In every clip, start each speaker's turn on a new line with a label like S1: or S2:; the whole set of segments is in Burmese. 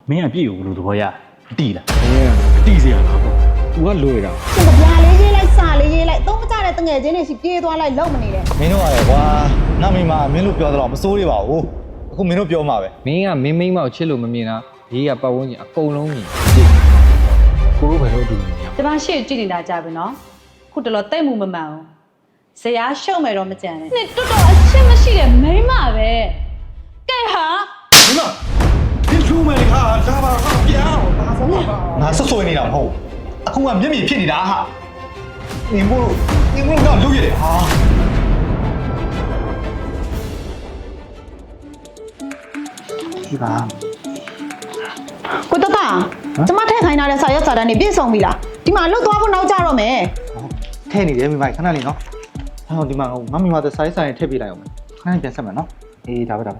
S1: မင်းကပြည့်ကိုဘယ်လိုသဘောရတီးလား
S2: တီးစရာလားပေါ့သူကလွယ်တာ
S3: ရှင်ကဗျာလေးရေးလိုက်စာလေးရေးလိုက်သုံးမကြတဲ့တငယ်ချင်းတွေရှိပြေးသွားလိုက်လုံမနေနဲ့
S4: မင်းတို့ရတယ်ကွာနမင်းမမင်းတို့ပြောတော့မစိုးရပါဘူးအခုမင်းတို့ပြောမှာပဲ
S2: မင်းကမင်းမိန်းမောက်ချစ်လို့မမြင်တာဘေးကပတ်ဝန်းကျင်အကုန်လုံးမြင်ကိုတို့ဘယ်လိုတူနေရ
S5: ကျမရှေ့ကြည့်နေတာကြပြီနော်ခုတလောတိတ်မှုမမှန်ဘူးဇရာရှုံမယ်တော့မကြံနဲ့နှစ်တော်တော်အရှင်းမရှိတဲ့မိန်းမပဲကဲဟာ
S4: ဒီမှာဒီထူးမယ်ဟာဒါပါဟာပြောင်းဒါဆိုပါငါဆွဆွေးနေတာမဟုတ်အခုကမျက်မြင်ဖြစ်နေတာဟာနေမို့တော့လူရတယ်ဟာ
S1: ဒီပါ
S3: ကိုတတကျမထည့်ခိုင်းထားတဲ့စာရွက်စာတမ်းတွေပြည့်စုံပြီလားဒီမှာလှုပ်သွားဖို့နောက်ကြတော့မယ်
S4: ထဲနေတယ်မိမခဏလေးနော်ဟောဒီမှာငါမိမတဲ့စိုင်းဆိုင်ထည့်ပြလိုက်အောင်ခဏပြန်ဆက်မယ်နော်အေးဒါပဲ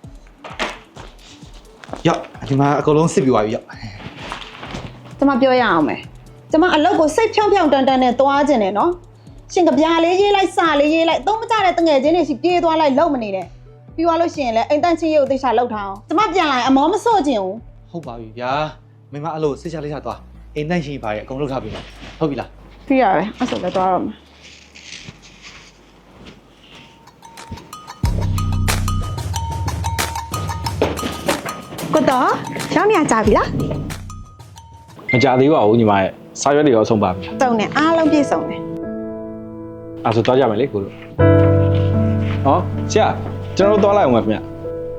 S4: ရောက်ဒီမှာအကုန်လုံးစစ်ပြီးသွားပြီရောက်
S3: ကျမပြောရအောင်မယ်ကျမအလုပ်ကိုစိတ်ဖြောင်းဖြောင်းတန်တန်နဲ့သွားခြင်းနဲ့နော်ရှင်ကဗျာလေးရေးလိုက်စာလေးရေးလိုက်သုံးမကြတဲ့တငယ်ချင်းတွေရှိပြေးသွားလိုက်လုံမနေနဲ့ပြီးသွားလို့ရှိရင်လည်းအိမ်တန့်ချင်းရုပ်သိချလောက်ထားအောင်ကျမပြန်လာရင်အမောမဆော့ခြင်းဘူး
S4: ဟုတ်ပါပြီဗျာမိမအဲ့လိုစစ်ချလိုက်ချသွားအိမ်တန့်ရှင်ပါရဲ့အကုန်လုံးထားပြီဟုတ်ပြီလား
S3: ပြီးရတယ်အဲ့ဆိုလည်းသွားတော့မယ်ကိုတော့ရောင်းနေကြပြီလား
S2: မကြသေးပါဘူးညီမရဲ့စာရွက်တွေရောဆုံးပါပြီ
S3: စုံနေအားလုံးပြည့်စုံတယ်
S2: အဲ့ဆိုသွားကြမယ်လေကိုတို့ဟောဆရာကျွန်တော်တို့သွားလိုက်အောင်ပါခင်ဗျ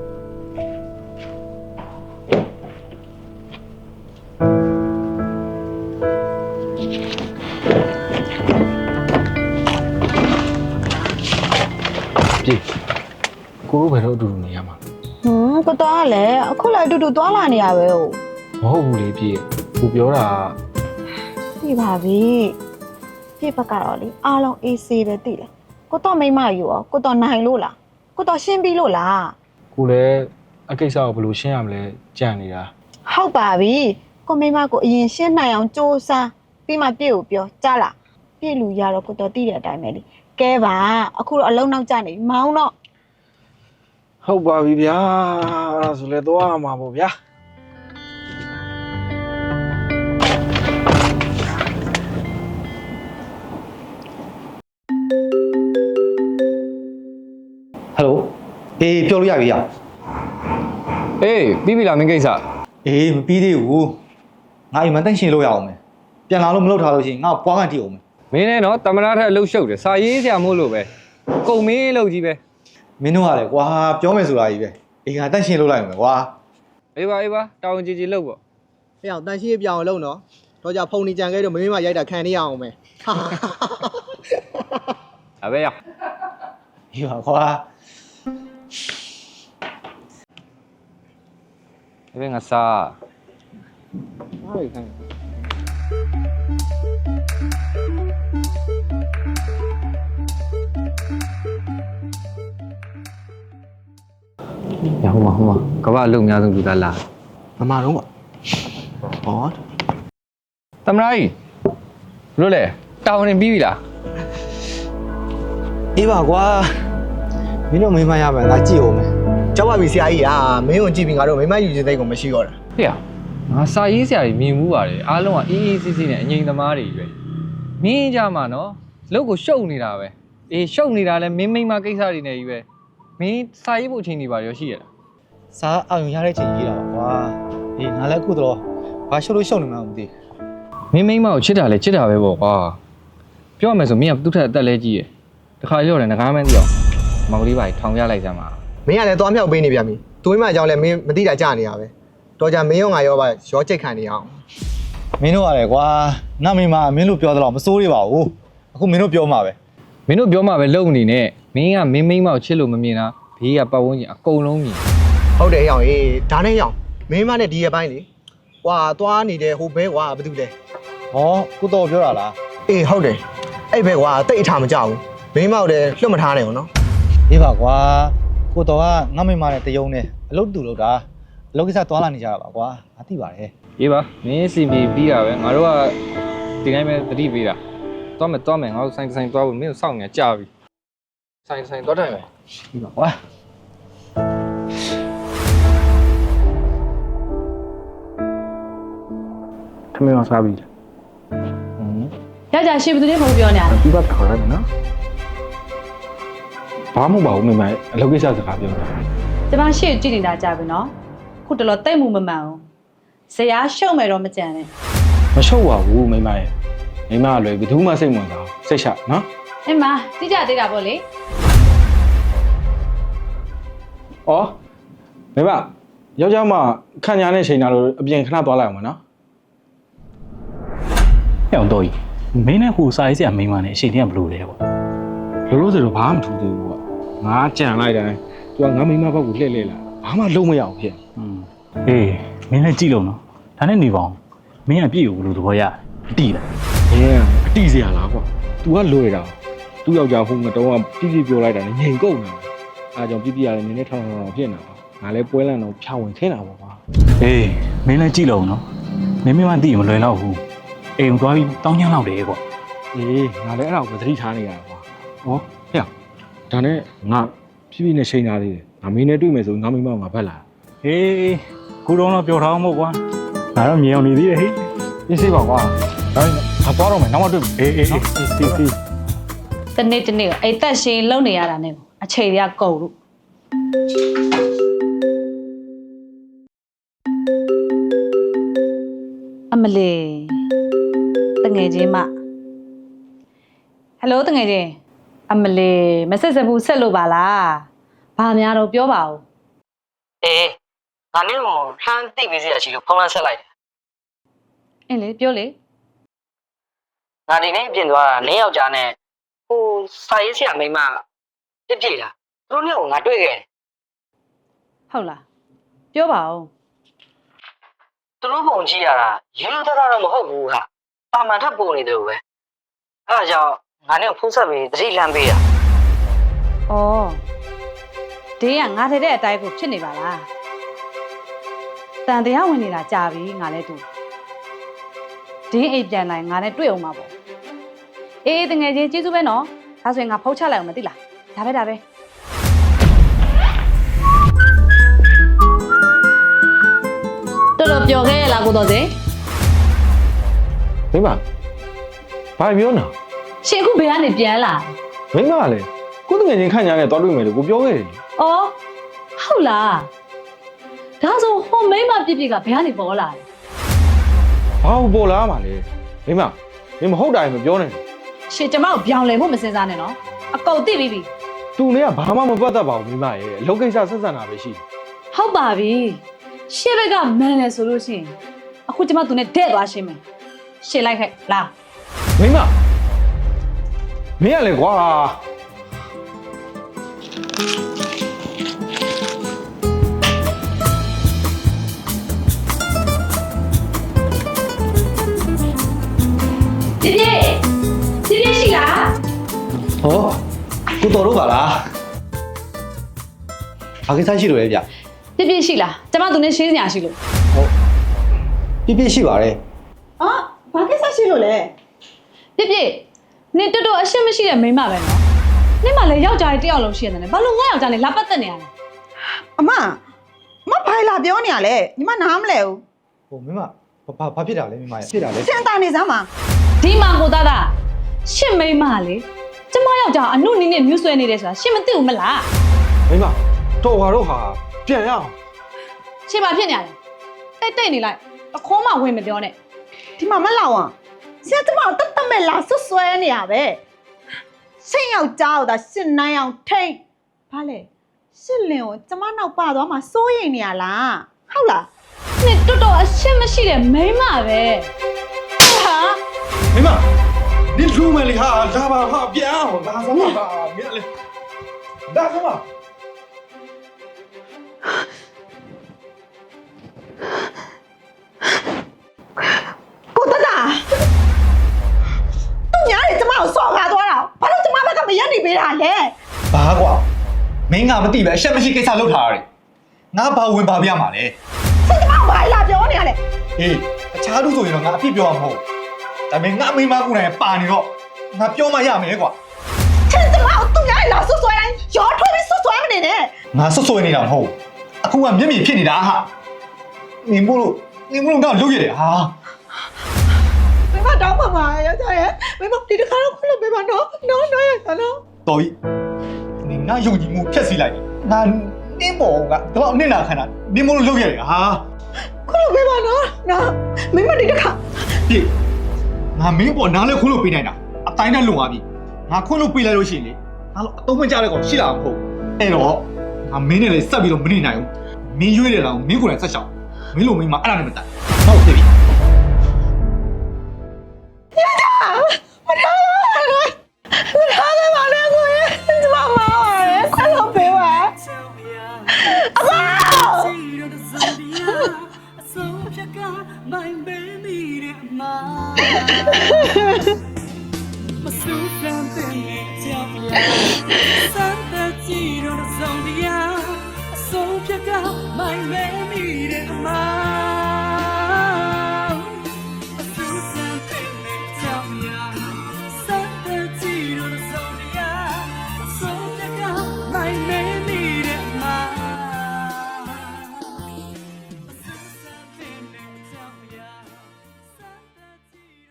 S2: ပြေကိုတို့ဘယ်တော့အတူတူနေရမှာ
S3: ကိုတော့ကလည်းအခုလည်းအတူတူသွားလာနေရပဲဟုတ်
S2: မဟုတ်ဘူးလေပြေကိုပြောတာ
S3: ပြီပါပြီပြစ်ဘက်ကတော့လေအားလုံးအေးဆေးပဲသိလားကိုတော့မိမယူရောကိုတော့နိုင်လို့လားကိုတော့ရှင်းပြီးလို့လား
S2: ကိုလည်းအကိစ္စကိုဘယ်လိုရှင်းရမလဲကြံ့နေတာ
S3: ဟုတ်ပါပြီကိုမိမကိုအရင်ရှင်းနိုင်အောင်စူးစမ်းပြီးမှပြည့်ကိုပြောကြားလားပြည့်လူရတော့ကိုတော့သိတဲ့အတိုင်းပဲလေကဲပါအခုတော့အလုံးနောက်ကျနေပြီမောင်းတော့
S2: ဟုတ်ပါပြီဗျာအဲ့ဒါဆိုလဲသွားမှာပေါ့ဗျာ
S4: ဟယ်လိုအေးပြောလို့ရပြီရ
S2: အေးပြီးပြီလားမင်းကိစ္စ
S4: အေးမပြီးသေးဘူးငါအိမ်မှာတန့်ရှင်လို့ရအောင်မယ်ပြန်လာလို့မလုပ်ထားလို့ရှိရင်ငါပွားကန်တီးအောင်မယ်
S2: မင်းနဲ့နော်တမနာထက်အလုပ်ရှုပ်တယ်စာရေးဆရာမို့လို့ပဲကုံမင်းလုပ်ကြီးပဲ
S4: မင်းတို့ကလည်းကွာပြောမယ်ဆိုတာကြီးပဲအေးငါတန့်ရှင်လို့လိုက်မယ်ကွာ
S2: အေးပါတောင်းကြည်လုပ်ပေါ့
S6: ။အဲ့အောင်တန်ရှင်းပြောင်းအောင်လုပ်နော်။တော့ကြဖုန်နေကြံခဲ့တော့မင်းမရိုက်တာခံနေရအောင်မယ်
S2: ဒါပဲရ
S4: အေးပါကွာ
S2: ဒါပဲငါစား
S6: ။ဟာခိုင်း
S2: ရဟိုမှာကဘာအလုပ်အများဆုံးလူသားလာ
S6: မမတော့ပါ။ဟော
S2: တမနာကြီးလို့လေတောင်းနေပြီးပြီလား
S6: အေးပါကွာ။မင်းတို့မိမရမယ်ငါကြည့်အောင်မယ်။ကြောက်ပါပြီဆရာကြီးမင်းကိုကြည့်ပြီးငါတို့မိမယူခြင်းသိကိုမရှိတော့တာ
S2: ဟေ့ရငါစာရေးဆရာကြီးမြင်မှုပါတယ်အားလုံးကအေးအေးဆေးဆေးနဲ့အငြိမ်သမားတွေပဲမင်းကြမှာနော်လုပ်ကိုရှုပ်နေတာပဲအေးရှုပ်နေတာလဲမင်းမိမကိစ္စတွေနဲ့ကြီးပဲမင်းစာရေးဖို့အချိန်နေပါရောရှိရလား
S4: စားအောင်ရတဲ့ချိန်ကြီးတာပါကွာအေးငါလည်းအခုတော့ဘာရှုပ်လို့ရှုပ်နေမှမသိ
S2: မင်းမိမကိုချစ်တာလဲချစ်တာပဲပေါ့ကွာပြောရမယ်ဆိုမင်းကသူ့ထက်အသက်လဲကြီးရယ်တခါကြောက်တယ်ငကားမန်းသိအောင်မောင်လေးပါထောင်ပြလိုက်စမ်းပါ
S6: ။မင်းကလည်းသွားမြောက်ပေးနေပြန်ပြီ။သူမိမအကြောင်းလည်းမင်းမသိတာကြားနေရပဲ။တော့ကြမင်းရောငါရောပါရောချိတ်ခံနေအောင်
S4: မင်းတို့ကလည်းကွာနမင်းမမင်းတို့ပြောတော့မစိုးရပါဘူးအခုမင်းတို့ပြောမှာပဲ
S2: မင်းတို့ပြောမှပဲလုံနေနဲ့မင်းကမင်းမိမကိုချစ်လို့မမြင်တာဘေးကပတ်ဝန်းကျင်အကုန်လုံးမြင်
S6: ။ဟုတ်တယ်အောင်ဒါနဲ့အောင်မင်းမနဲ့ဒီရဲ့ပိုင်းလေ။ကွာသွားနေတဲ့ဟိုဘဲကွာဘာတူလဲ
S4: ဟောကိုတော့ပြောတာလား
S6: ။အေးဟုတ်တယ်။အဲ့ဘဲကွာတိတ်အထားမကြောက်ဘူး။မင်းမောက်လည်းလွတ်မထားနိုင်ဘူးနော်
S4: အေးပါကွာကိုတော့ကငါမိမနဲ့တယုံနဲ့အလုပ်တူလုပ်တာအလုပ်ကိစ္စသွားလာနေကြတာပါကွာငါသိပါတယ်
S2: ရေးပါမင်းစီမီပြီးတာပဲငါတို့ကဒီတိုင်းပဲတတိပေးတာသွားမယ်ငါတို့ဆိုင်သွားဖို့မင်းကိုစောင့်နေကြပြီဆိုင်သွားတိုင်းပဲ
S4: ဒီပါကွာ
S7: ထမင်းအောင်စားပြီ
S5: ယောက်ျားရှင်ဘယ်သူနဲ့မဟုတ်ပြောနေရလဲ
S7: ဒီဘက်ခေါ်ရတယ်နော်ဘာမှမဟုတ်ပါဘူးမိမအလုပ်ကိစ္စစကားပြောတာ
S5: ကျမရှေ့ကြည့်နေတာကြာပြီနော်ခုတလောတိတ်မှုမမှန်ဘူးဇရာရှုံမယ်တော့မကြံနဲ့
S7: မရှုပ်ပါဘူးမိမရဲ့မိမကလွယ်ဘယ်သူမှစိတ်ဝင်စားစိတ်ချနော်
S5: အင်းမတိကျသေးတာပေါ့လေ
S7: ဩမိမယောက်ျားမခံညာနဲ့ချိန်တာလို့အပြင်ခဏသွားလိုက်အောင်မနော်
S1: ဟဲ့အောင်တော့ကြီးမင်းနဲ့ဟိုစာရေးဆရာမိန်းမနဲ့အချိန်တည်းကဘလို့လဲကွာ
S7: လို့လို့ဆိုတော့ဘာမှမထူးသေးဘူးကွာငါကြံလိုက်တယ်သူကငါမိမဘက်ကိုလှည့်လှည့်လာဘာမှလုံးမရအောင်ဖြစ်
S1: အေးမင်းလည်းကြည့်လို့နော်ဒါနဲ့နေပါအောင်မင်းကပြည့်ကိုဘလို့သဘောရတိလား
S7: မင်းကအတိစရာလားကွာ तू ကလွယ်တာသူ့ယောက်ျားဟိုငတော့ကပြည့်ပြောလိုက်တာနဲ့ငြိမ်ကုန်တာအားကြောင့်ပြည့်ရတယ်နည်းနည်းထောင်ထောင်ဖြစ်နေတာငါလည်းပွဲလန့်တော့ဖြာဝင်ခင်းတာပေါ့ကွာ
S1: အေးမင်းလည်းကြည့်လို့နော်မင်းမသိရင်မလွယ်တော့ဘူးအိမ်သွားပြီးတောင်းချမ်းလောက်တယ်ကွာ
S7: အေးငါလည်းအဲ့ဒါကိုသတိထားနေရတာကွာဟောဟဲ့ဒါနဲ့ငါပြည့်နဲ့ချိန်ထားသေးတယ်ငါမင်းနဲ့တွေ့မယ်ဆိုငါမိမကငါဘက်လာ
S1: ဟေးခုတော့တော့ပြောထားအောင်မို့ကွာငါတော့မြင်အောင်နေသေးတယ်ဟေး
S7: ပြည့်စေပါကွာဒါနဲ့ငါသွားတော့မယ်နောက်မှတွေ့မယ်
S1: အေးတီ
S5: တနေ့တနေ့အိတ်သက်ရှင်လုံနေရတာနဲ့အချိန်တွေကကုန်လို့အမလေးတငယ်ချင်းမဟယ်လိုတငယ်ချင်းအမလေးမဆက်စဘူးဆက်လို့ပါလားဘာများတော့ပြောပါဦး
S8: အေးငါနဲ့ကိုလှမ်းသိပြီးစီရရှိလို့ဖုန်းလန်းဆက်လိုက်တယ်
S5: အင်းလေပြောလေ
S8: ငါဒီနေ့ပြင်သွားတာနင်းယောက်ျားနဲ့ဟိုစာရေးဆရာမိန်းမပြစ်ပြစ်တာသူတို့နဲ့ကိုငါတွေ့ခဲ့တယ်
S5: ဟုတ်လားပြောပါဦး
S8: သူတို့ပုံကြည့်ရတာရိုးရိုးသားသားတော့မဟုတ်ဘူးဟာတာမန်ထပ်ပုံနေတယ်လို့ပဲအဲ့ဒါကြောင့်ငါနဲ့ဖုန်းဆက်ပြီးတတိလမ်းပေးတာ
S5: ဩဒေးကငါထည့်တဲ့အတိုင်းကိုဖြစ်နေပါလားတန်တရားဝင်နေတာကြာပြီငါလည်းသူဒေးအိပ်ပြန်လိုက်ငါနဲ့တွေ့အောင်ပါပေါ့အေးတငယ်ချင်းကျေးဇူးပဲနော်ဒါဆိုရင်ငါဖုတ်ချလိုက်အောင်မသိလားဒါပဲတော်တော်ပျော်ခဲ့ရလားကိုတော်စင်
S7: မိမဘာပြောနာ
S5: ရှင်အခုဘယ်ကနေပြန်လာ
S7: မိမကလည်းကိုယ်တငယ်ချင်းခံညာနဲ့သွားတွေ့မယ်လို့ကိုပြောခဲ့တယ်
S5: ဩဟုတ်လားဒါဆိုဟိုမိမပြစ်ပြစ်ကဘယ်ကနေပေါ်လာလဲ
S7: ဘာလို့ပေါ်လာမှာလဲမိမမင်းမဟုတ်တာရင်မပြောနဲ့
S5: ရှင်ကျမကိုပြောင်းလဲဖို့မစင်စားနဲ့နော်အကုန်သိပြီးပြီ
S7: သူနဲ့ကဘာမှမပတ်သက်ပါဘူးမိမရဲ့အလုပ်ကိစ္စဆက်ဆံတာပဲရှိတယ်
S5: ဟုတ်ပါပြီရှေ့ဘက်ကမန်လဲဆိုလို့ရှိရင်အခုကျမသူနဲ့တဲ့သွားရှင်းမယ်ရှင်းလိုက်ခဲ့လာ
S7: မိမမင်းကလည်းကွာ
S5: ပြည့်ရှိလား
S4: ဟောကိုတော်တို့ပါလားဘာကိစ္စရှိလို့လဲဗျ
S5: ပြည့်ရှိလားကျမသူနဲ့ရှင်းစရာရှိလို့
S4: ပြည့်ရှိပါတယ်
S3: အော်ဘာကိစ္စရှိလို့လဲ
S5: ပြည့်နင်တော်တော်အရှက်မရှိတဲ့မိန်းမပဲနော်နင်မလည်းယောက်ျားလေးတစ်ယောက်လုံးရှိရတယ်ဘာလို့ငါယောက်ျားလေးလာပတ်သက်နေရလဲ
S3: အမဘိုင်လာပြောနေရလဲညီမနားမလဲဘူး
S6: ဟိုမင်းမဘာဖြစ်တာလဲမင်းမဖြစ်တာလဲ
S3: စင်တာနေစမ်းပါ
S5: ဒီမှာကိုသားသားရှင့်မိန်းမလေကျမယောက်ျားအနုနည်းနဲ့မြူးဆွဲနေတယ်ဆိုတာရှင့်မသိဘူးမလား
S7: မိမတော်ပါတော့ဟာပြန်ရအောင်
S5: ရှင့်ဘာဖြစ်နေရလဲတိတ်နေလိုက်အခေါ်မှဝင်မပြောနဲ့
S3: ဒီမှာမလောက်အောင်ဆရာကျမတတ်မဲ့လာဆွဲနေရပဲဆင်ယောက်ျားကိုသာရှင်းနိုင်အောင်ထိန်ဘာလဲရှင်းလင်ကိုကျမနောက်ပါသွားမှစိုးရိမ်နေရလားဟုတ်လား
S5: နင်တော်တော်အရှက်မရှိတဲ့မိန်းမပဲဟာ
S4: မိမဒီလူမယ်လေဟာဒါပါဟာပြန်အောင်ဒါစမ်းပါမင်းလေဒါစမ်းပါ
S3: ကိုတတာသူများတွေကျမကိုစော်ကားသွားတာဘာလို့ကျမဘက်ကမရက်နေပေးတာလဲ
S4: ဘာကွာမင်းကမသိပဲအရှက်မရှိကိစ္စလုပ်ထားရတယ်ငါဘာဝင်ပါပြမှာလဲ
S3: ဆင်ကျမကိုဘာလာပြောနေရလဲ
S4: ဟေးအခြားလူဆိုရင်တော့ငါအဖြစ်ပြောမှာမဟုတ်ဒါပေမဲ့ငါအမိမကူနိုင်ပါနေတော့ငါပြောမှရမယ်ကွာ
S3: ဆင်ကျမကိုသူများတွေလာဆွဲတိုင်းရောထွေးပြီးဆွဲမနေနဲ့
S4: ငါဆွဆွဲနေတာမဟုတ်အခုကမျက်မြင်ဖြစ်နေတာဟာနင်မို့လို့ငါလုပ်ရတယ်ဟာ
S3: မတောင်းပါပါယောက်ျားရဲ့မိမဒီတစ်ခါတော့ခွင့်လို့ပေးပါနော်နော်ယောက်ျားနော်
S4: တော်ပြီနင်ငါယုံကြည်မှုဖြတ်စီလိုက်ငါနင်းပေါ်ကတော့နင့်နာခံတာနင်းမလို့လုပ်ရတယ်ဟာ
S3: ခွင့်လို့ပေးပါနော်နော်မိမဒီတစ်ခါ
S4: ပြေငါမင်းပေါ်နားလဲခွင့်လို့ပေးနိုင်တာအတိုင်းနဲ့လုံသွားပြီငါခွင့်လို့ပေးလိုက်လို့ရှိရင်လေငါတော့အတုံးမကြတဲ့ကောင်ရှိလာမှာမဟုတ်အဲ့တော့ငါမင်းနဲ့လည်းဆက်ပြီးတော့မနေနိုင်ဘူးမင်းရွေးတယ်လားမင်းကိုယ်တိုင်ဆက်ရှောက်မင်းလိုမင်းမအဲ့ဒါနဲ့မတိုင်ဟုတ်ပြီ
S3: မထားပါနဲ့ကိုရဲ့ကျမမာပါတယ်ခွင့်လို့ပေးပါအမ
S9: My